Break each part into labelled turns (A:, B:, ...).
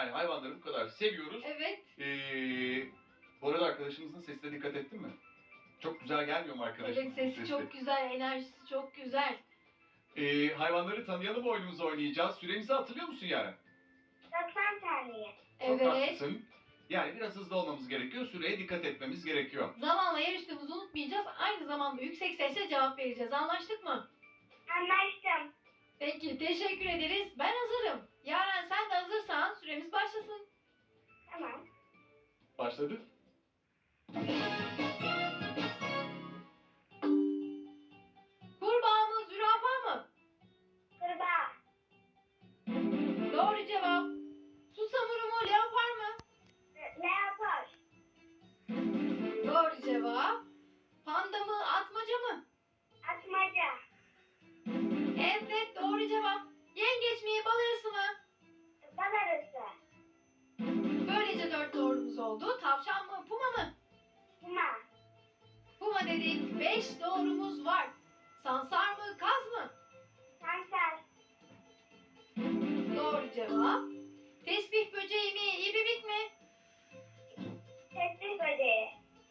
A: Yani hayvanları bu kadar seviyoruz.
B: Evet.
A: Bu arada arkadaşımızın sesine dikkat ettin mi? Çok güzel gelmiyor mu arkadaşımızın
B: Evet, sesi çok güzel, enerjisi çok güzel.
A: Hayvanları tanıyalım oyunumuzu oynayacağız. Süremizi hatırlıyor musun Yaren?
C: 90 saniye.
A: Çok
B: Evet.
A: haklısın. Yani biraz hızlı olmamız gerekiyor. Süreye dikkat etmemiz gerekiyor.
B: Zamanla yarıştığımızı unutmayacağız. Aynı zamanda yüksek sesle cevap vereceğiz. Anlaştık mı?
C: Anlaştım.
B: Peki, teşekkür ederiz. Ben hazırım. Yaren sen de hazırsan süremiz başlasın.
C: Tamam.
A: Başladı.
B: Kurbağa mı, zürafa mı?
C: Kurbağa.
B: Doğru cevap. Susamuru mu, leopar mı?
C: Leopar.
B: Doğru cevap. Panda mı, atmaca mı?
C: Atmaca.
B: Evet, doğru cevap. Yengeç mi, bal arısı mı?
C: Bal arısı.
B: Böylece 4 doğrumuz oldu. Tavşan mı, puma mı?
C: Puma.
B: Puma dedik. 5 doğrumuz var. Sansar mı, kaz mı?
C: Sansar.
B: Doğru cevap. Tesbih böceği mi, ibibik mi?
C: Tesbih böceği.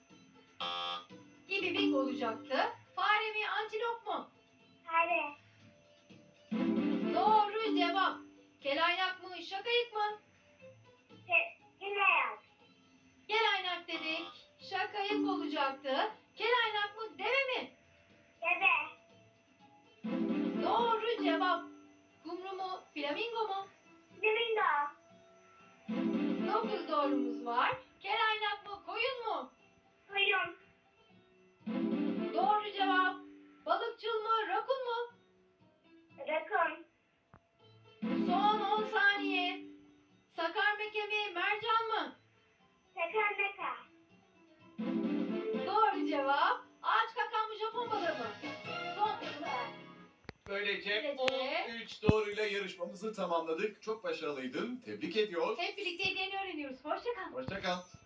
B: İbibik olacaktı. Fare mi, antilop mu?
C: Fare.
B: Doğru cevap. Kelaynak mı, şakayık mı?
C: Güleyak.
B: Kelaynak dedik. Şakayık olacaktı. Kelaynak mı, deve mi?
C: Deve.
B: Doğru cevap. Kumru mu, flamingo mu?
C: Flamingo.
B: 9 doğrumuz var. Kelaynak mı, koyun mu?
C: Koyun.
B: Doğru cevap. Balıkçıl mı, rakun mu?
C: Rakun.
B: Son 10 saniye. Sakar meke mi, mercan mı?
C: Tekerleka.
B: Doğru cevap. Ağaç kakan mı, Japon balığı mı? Son
A: Böylece
B: Böylece
A: 13 doğruyla yarışmamızı tamamladık. Çok başarılıydın. Tebrik ediyor.
B: hep birlikte hediyeni öğreniyoruz. Hoşça kal.
A: Hoşça kal.